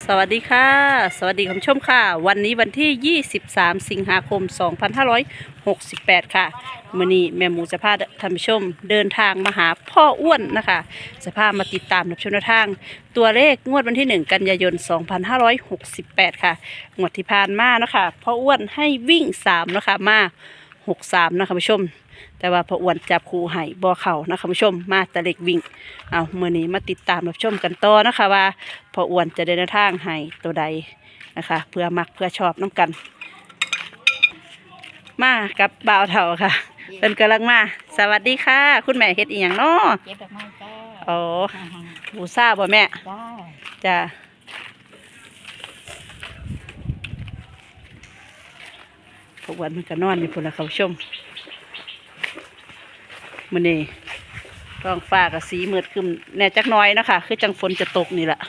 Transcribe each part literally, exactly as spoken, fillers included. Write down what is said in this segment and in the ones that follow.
สวัสดีค่ะสวัสดีคุณผู้ชมค่ะวันนี้วันที่ยี่สิบสามสิงหาคมสองพันห้าร้อยหกสิบแปดค่ะมื้อนี้แม่หมูจะพาท่านผู้ชมเดินทางมาหาพ่ออ้วนนะคะจะพามาติดตามรับชมแนวทางตัวเลขงวดวันที่หนึ่งกันยายนสองพันห้าร้อยหกสิบแปดค่ะงวดที่ผ่านมานะคะพ่ออ้วนให้วิ่งสามนะคะมาหกสามนะคะผู้ชมแต่ว่าพ่ออ้วนจับคู่ให้บ่เข่านะคะผู้ชมมาแต่เล็กวิ่งเอาเมื่อนี้มาติดตามรับชมกันต่อนะคะว่าพ่ออ้วนจะเดินทางให้ตัวใดนะคะเพื่อมักเพื่อชอบน้ำกันมากับบ่าวเถ่าค่ะเป็นกำลังมาสวัสดีค่ะคุณแม่เฮ็ดอีหยังเนาะเก็บดอกไม้จ้าอ๋อบูซ่าบ่แม่จ้าจ้าพ่ออ้วนมันก็นอนอยู่พุ่นละค่ะผู้ชมมื้อนี้ท้องฟ้ากับสีมืดครึ้มแน่จักหน้อยเนาะค่ะคือจังฝนจะตกนี่แหละ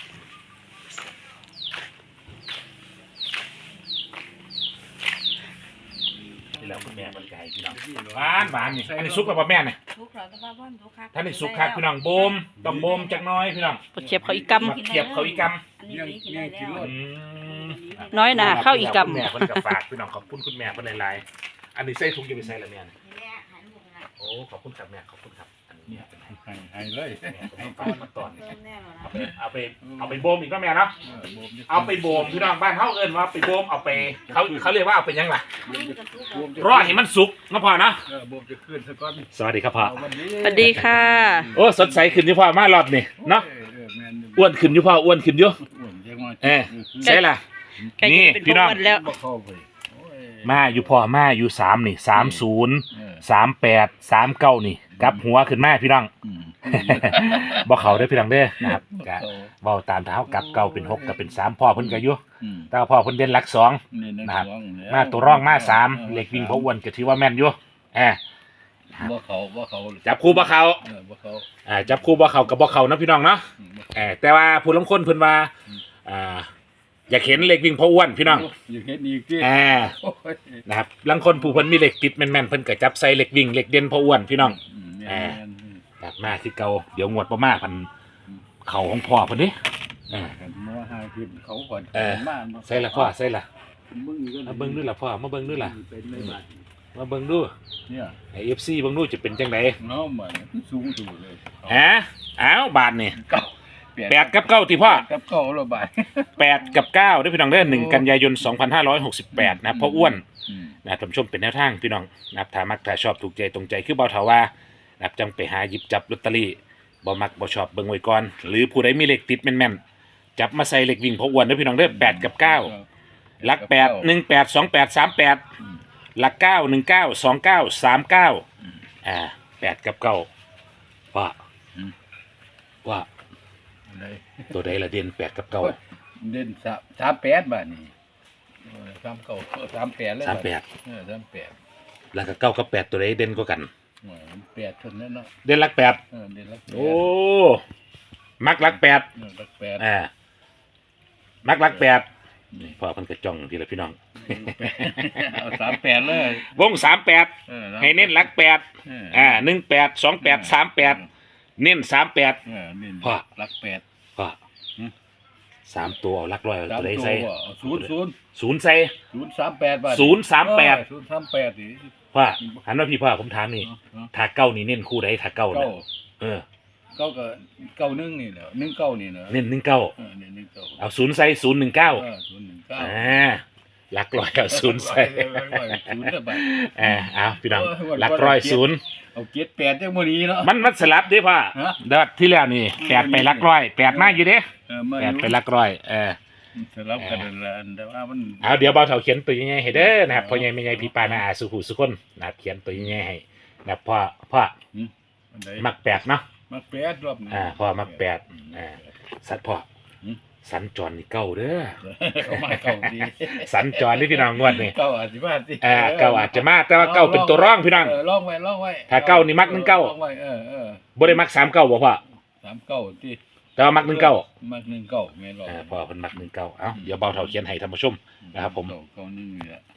ที่แล้วคุณแม่บริการพี่น้องหวานหวานนี่อันนี้ซุกแล้วป่ะแม่เนี่ยทุกข์เราก็บ้าบ้านทุกข์ครับท่านนี่ซุกครับพี่น้องโบมต้องโบมจักหน้อยพี่น้องปเขียบเขาอีกกมาเขียบเขาอีกกอันนี้นี่กินได้แล้วำอืมำน้อยหนาเข้าอีกกคุณแม่คนกับฝากพี่น้องขอบคุณคุณแม่คนหลายๆอันนี้ใส่ถุงจะไปใส่ละแม่เนี่ยนี่แหละหันบุกนะโอ้ขอบคุณครับแม่ขอบคุณครับอันนี้เนี่ยเป็นให้ให้ให้เลยแม่เป็นให้ฝากมาตอนเติมแน่นอนเอาไปเอาไปเอาไปโบมอีกก็แม่เนาะเออโบมเอาไปโบมพี่น้องบ้านเขาเอิ้นว่าไปโบมเอาไปเขาเขาเรียกว่าเอาไปยังล่ะวิ่งกันทุกข์โบมจะรอให้มันสุกนะพ่อเนาะเออโบมจะขึ้นสักก้อนสวัสดีครับพ่อเอาวันนี้ำสวัสดีค่ะโอ้สดใสขึ้นอยู่พ่อมารอบนี่เนาะออเออแม่อ้วนขึ้นอยู่พ่ออ้วนขึ้นอยู่อ้วนจังว่าเออใช่ล่ะใกล้นี่จะเป็นพี่พ่น้อองอ้วนแล้วบ่เข้าไปโอ้ยมาอยู่พ่อมาอยู่สามนี่สามศูนย์เออสามแปดสามเก้านี่กลับหัวขึ้นมาพี่น้องอืมบ่เขาได้อพี่น้องเด้อนะครับบ่ก็เข้าเว้าตามเท้ากลับเก้าเป็นหกกับเป็นสามพ่อเพิ่นก็อยู่อืมแต่ว่าพ่อเพิ่นเด่นหลักสองนี่นะนะครับสองแล้วมาตัวร่องมาสามเหล็กวิ่งพออ้วนก็ถือว่าแม่นอยู่แอบบ่เข้าบ่เข้าจับคู่บ่เขาเออบ่เข้าอ่าจับคู่บ่เขากับบ่เขานะพี่น้องเนาะอืมบ่เออแต่ว่าผู้ลางคนเพิ่นว่าอ่าอยากเห็นเหล็กวิ่งพออ้วนพี่น้องอยู่เฮ็ดอีกติแอบโอ้ยนะครับลางคนผู้เพิ่นมีเหล็กติดแม่นๆเพิ่นก็จับใส่เหล็กวิ่งเหล็กเด่นพออ้วนพี่น้องอืมเออแม่นกลับมาคือเก่าเดี๋ยวงวดบ่มาพันเขาของพ่อเพิ่นดิเออๆกันมาหาขึ้นเขาก่อนเออมาใส่ละพ่อใส่ละมึงก็มาเบิ่งดูล่ะพ่อมาเบิ่งดูล่ะเป็นในบ้านมาเบิ่งดูเนี่ยไอ้ เอฟ ซี เบิ่งดูจะเป็นจังได๋เนาะมันสูงสูงเลยฮะอ้าวบาทนี่เก้าแปดกับเก้าติพ่อกับเก้าละบาทแปดกับเก้าเด้อพี่น้องเด้อหนึ่งกันยายนสองพันห้าร้อยหกสิบแปดนะครับพ่ออ้วนอืมนะครับท่านผู้ชมเป็นแนวทางพี่น้องนะครับถ้ามักถ้าชอบถูกใจตรงใจคือเบาเถาว่านะครับจังไปหาหยิบจับลอตเตอรี่บ่มักบ่ชอบเบิ่งไว้ก่อนหรือผู้ใดมีเลขติดแม่นๆจับมาใส่เลขวิ่งพ่ออ้วนเด้อพี่น้องเด้อแปดกับเก้าหลักแปดหนึ่งแปดสองแปดสามแปดอืมหลักเก้าหนึ่งเก้าสองเก้าสามเก้าอ่าแปดกับเก้าว่าอืมว่าอะไรตัวใดละเด่นแปดกับเก้าเด่นสามสามแปดบาทนี่เออสามเก้าเออสามแปดเลยสามแปดเออสามแปดแล้วก็เก้ากับแปดตัวใดเด่นกว่ากันเออแปดเท่านั้นเนาะเด่นหลักแปดเออเด่นละแปดโอ้มักหลักแปดเออละแปดอ่ามักหลักแปดนี่พ่อเพันกระจ่องทีละพี่น้องเอาสามแปดเลยวงสามแปดออให้เน้นหลักแปดเอออ่าหนึ่งแปดสองแปดสามแปดเน้นสามแปดเออเน้นพ่อลักแปดพ่อหืมสามตัวเอาหลักร้อยเอาสามตัวใดตัวใส่เอาศูนย์ศูนย์ศูนย์ใส่ศูนย์สามแปดบาทศูนย์สามแปดเออศูนย์สามแปดนี่พ่อหันมาพี่พ่อผมถามนี่เนาะถ้าเก้านี่เน้นคู่ใดถ้าเก้าเก้าน่ะเออเก้าก็เก้าหนึ่งนี่แหละหนึ่งเก้านี่เนอะเน้นหนึ่งเก้าเออเนี่ยหนึ่งเก้าเอาศูนย์ใส่ศูนย์หนึ่งเก้าเออศูนย์หนึ่งเก้าอ่าหลักร้อยเอาศูนย์ใส่ศูนย์ละบาทอ่าเอาพี่น้องโอ้ยหลักร้อยศูนย์เอาเจ็ดแปดจังมื้อนี้เนาะมันมันสลับเด้พ่อฮะเดือดที่แล้วนี่แปดไปหลักร้อยแปดมาอยู่เด้เออมาแปดไปหลักร้อยเออสลับกันนั่นละแต่ว่ามันเอาเดี๋ยวเบาเถาเขียนตัวยังไงให้เด้อนะครับพ่อใหญ่แม่ใหญ่พี่ปานาอาสุขุสุคนนะครับเขียนตัวยังไงให้นะครับพ่อพ่ออันใดมักแปดเนาะมักแปดรอบนี้อ่าพ่อมักแปดอ่า สัตว์พ่อหืมสัญจรนี่เก้าเด้อเขามาเก้าดีสัญจรนี่พี่น้องงวดนี่เก้าอาจจะมาสิอ่าเก้าอาจจะมาแต่ว่าเก้าเป็นตัวร่องพี่น้องเออลองไว้ลองไว้ถ้าเก้านี่มักหนึ่งเก้าลองไว้เออเออบ่ได้มักสามเก้าบ่พ่อสามเก้าที่แต่ว่ามักหนึ่งเก้ามักหนึ่งเก้าแม่นบ่อ่าพ่อเพิ่นมักหนึ่งเก้าเอ้าเดี๋ยวเบาเถาเขียนให้ท่านผู้ชม นะครับผมเก้าเก้าหนึ่งนี่แหละ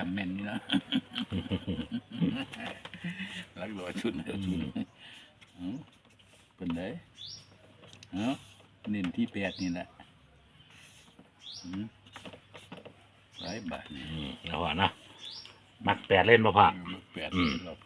ำแม่นนี่นะรักรอยชุดเดียวชุดเอ้าเป็นไดเอ้าเน้นที่แปดนี่แหละอืมหลายบาทนี่อืมเอาพ่อเนาะมักแปดเล่นบ่พ่อแปดอืมรอบ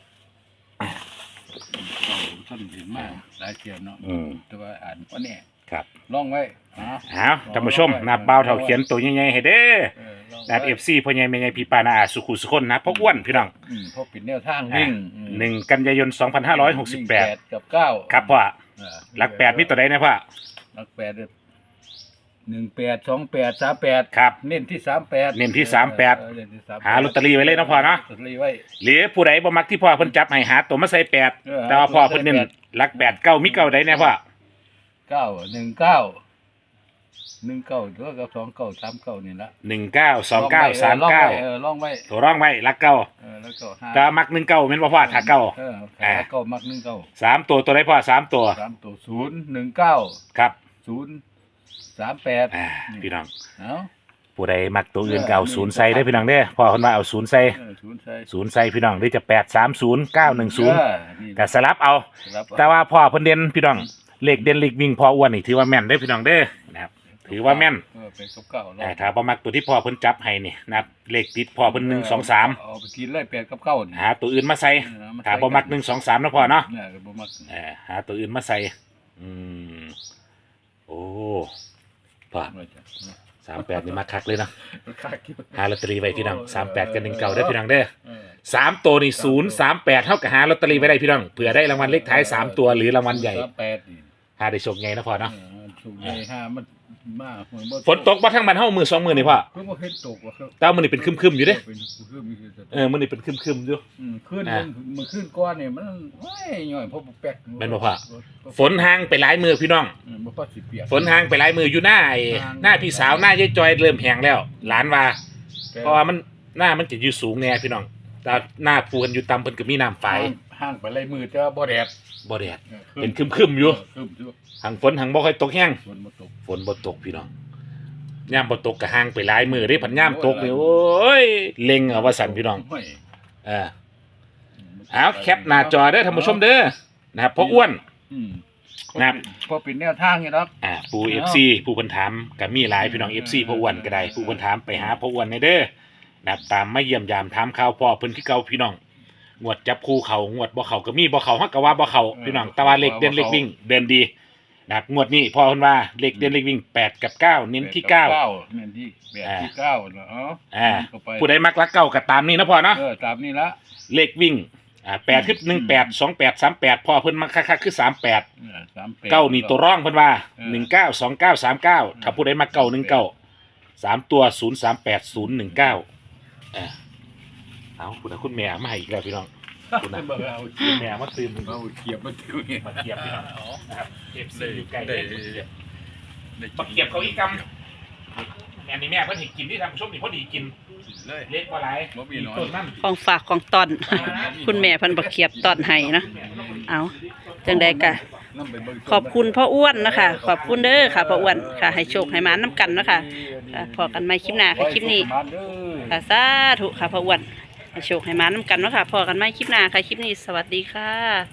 เราท่านถึงมากหลายเทียนเนาะอืมแต่ว่าอ่านว่าเนี่ยครับลองไว้ฮะเอาท่านผู้ชมนับเบาเท่าเขียนตัวใหญ่ๆให้เด้อเออลองนับไว้เอฟซีพ่อใหญ่แม่ใหญ่พี่ปานาอาสุขุสุคนนะพ่ออ้วนพี่น้องอืมเพราะปิดแนวทางวิ่งอืมหนึ่งกันยายนสองพันห้าร้อยหกสิบแปดวิ่งกับเก้าครับพ่อเออหลักแปดมีตัวใดนะพ่อหลักแปดเนี่ยหนึ่งแปดสองแปดสามแปดครับเน้นที่สามแปดเน้นที่สามแปดเออเน้นที่สามแปดหาลอตเตอรี่ไว้เลยนะพ่อเนาะลอตเตอรี่ไว้หรือผู้ใดบ่มักที่พ่อเพิ่นจับให้หาตัวมาใส่แปดเออแต่ว่าพ่อเพิ่นเน้นใส่แปดหลักแปดเก้ามีเก้าใดแน่พ่อเก้าหนึ่งเก้าหนึ่งเก้าตัวกับสองเก้าสามเก้านี่ละหนึ่งเก้าสองเก้าสามเก้าเออลองไว้ตัวร่องไว้หลักเก้าเออแล้วก็ห้าแต่มักหนึ่งเก้าแม่นบ่พ่อถ้าเก้าเอออ่าถ้าเก้ามักหนึ่งเก้าสามตัวตัวใดพ่อสามตัวสามตัวศูนย์หนึ่งเก้าครับศูนย์สามแปดอ่าพี่น้องเอ้าผู้ใดมักตัวอื่นก็เอาศูนย์ใส่ได้อพี่น้องเด้อพ่อเพิ่นว่าเอาศูนย์ใส่เออศูนย์ใส่ศูนย์ใส่พี่น้องหรือจะแปดสามศูนย์เก้าหนึ่งศูนย์เออนี่ก็สลับเอาครับแต่ว่าพ่อเพิ่นเด่นพี่น้องเลขเด่นเลขวิ่งพ่ออ้วนนี่ถือว่าแม่นเด้อพี่น้องเด้อนะครับถือว่าแม่นเออเป็นกับเก้าลองอ่าถ้าบ่มักตัวที่พ่อเพิ่นจับให้นี่นะครับเลขติดพ่อเพิ่นหนึ่งสองสามเอาไปกินเลยแปดกับเก้านี่หาตัวอื่นมาใส่เออมถ้าบ่มักหนึ่งสองสามนะพ่อเนาะเนี่ยก็บ่มักเออหาตัวอื่นมาใส่อืมโอ้พ่อไม่จ้ะสามแปดนี่มาคักเลยเนาะค่าคิดหาลอตเตอรี่ไว้พี่น้องสามแปดกับหนึ่งเก้าเด้อพี่น้องเด้อเออสามตัวนี่ศูนย์สามแปดเท่ากับหาลอตเตอรี่ไว้ได้พี่น้องเผื่อได้รางวัลเลขท้ายสามตัวหรือรางวัลใหญ่สามแปดนี่หาได้โชคใหญ่นะพ่อเนาะเออถูกใหญ่ห้ามันมากเหมือนบ่ฝนตกบ่ทั้งมันเฮามือสองมือนี่พ่อเพิ่งบ่เห็นตกว่าครับแต่ว่ามื้อนี้เป็นครึมๆอยู่เด้เป็นคือมีคือจะเออมื้อนี้เป็นครึมๆอยู่อืมขึ้นอ่ามันขึ้นก้อนเนี่ยมันโอ้ยย่อยเพราะแป๊กแม่นบ่พ่อ ฝนห่างไปหลายมือพี่น้องอืมบ่พอสิเปียกฝนห่างไปหลายมืออยู่หน้าไอ้หน้าพี่สาวหน้ายายจอยเริ่มแห้งแล้ว หลานว่าแต่เพราะว่ามันหน้ามันจะอยู่สูงแน่พี่น้องแต่หน้าภูกันอยู่ต่ำเพิ่นก็มีน้ำไฟห่างห่างไปเลยมือแต่ว่าบ่แดดบ่แดดออเป็นครึมๆอยู่เครึมอยู่หังฝนหังบ่ค่อยตกแห้งฝนบ่ตกฝนบ่ตกพี่น้องย่ามบ่ตกก็ห่างไปหลายมือเด้พันย่ามตกนี่โอ้ยเล็งเอาว่าสั่นพี่น้องโยเออเอาแคปหน้าจอเด้อท่านผู้ชมเด้อนะครับพ่ออ้วนอืมนะครับพอเป็นแนวทางนี่เนาะอ่าปู เอฟ ซี ผู้เพิ่นถามก็มีหลายพี่น้อง เอฟ ซี พ่ออ้วนก็ได้ผู้เพิ่นถามไปหาพ่ออ้วนในเด้อนะครับตามมาเยี่ยมยามถามข่าวพ่อเพิ่นคือเก่าพี่น้องงวดจับคู่เขางวดบ่เขาก็มีบ่เขาฮักก็ว่าบ่เขาพี่น้องแต่ว่าเลขเด่นเลขวิ่งเดินดีนะครับงวดนี้พ่อเพิ่นว่าเลขเด่นเลขวิ่งแปดกับเก้าเน้นที่เก้าเน้นที่แปดที่เก้าเนาะอ่าเข้าไปผู้ใดมักรักเก้าก็ตามนี้นะพ่อเนาะเออตามนี้ละเลขวิ่งอ่าแปดคือหนึ่งแปดสองแปดสามแปดพ่อเพิ่นมักคักๆคือสามแปดเออสามแปดเก้านี่ตัวร่องเพิ่นว่าเออหนึ่งเก้าสองเก้าสามเก้าถ้าผู้ใดมาเก้าหนึ่งเก้าสามตัวศูนย์สามแปดศูนย์หนึ่งเก้าเออเอาคุณนะคุณแม่มาให้อีกแล้วพี่น้องคุณนะเบิ่งเอาคุณแม่มาตื่นเอาเขียบมาติวเนี่ยมาเกียบพี่น้องนะครับเก็บซีอยู่ใกล้ได้เลยได้มาเกียบเขาอีกกำแม่นี่แม่เพิ่นเห็นกินที่ทำชมนี่พอดีกินเลยเล็กกว่าไรบ่มีน้อยต้นนั่นของฝากของตอน คุณแม่เพันบักเขียบตอนให้เนาะเอาจังใดกะนำไปเบิ่งขอบคุณพ่ออ้วนนะคะ ขอบคุณเด้อค่ะพ่ออ้วนค่ะ ให้โชคให้หมาน้ำกันเนาะค่ะค่ะพอกันใหม่คลิปหน้าค่ะคลิปนี้มาเด้อค่ะสาธุค่ะพ่ออ้วนให้โชคให้หมาน้ำกันเนาะค่ะพอกันใหม่คลิปหน้าค่ะคลิปนี้สวัสดีค่ะ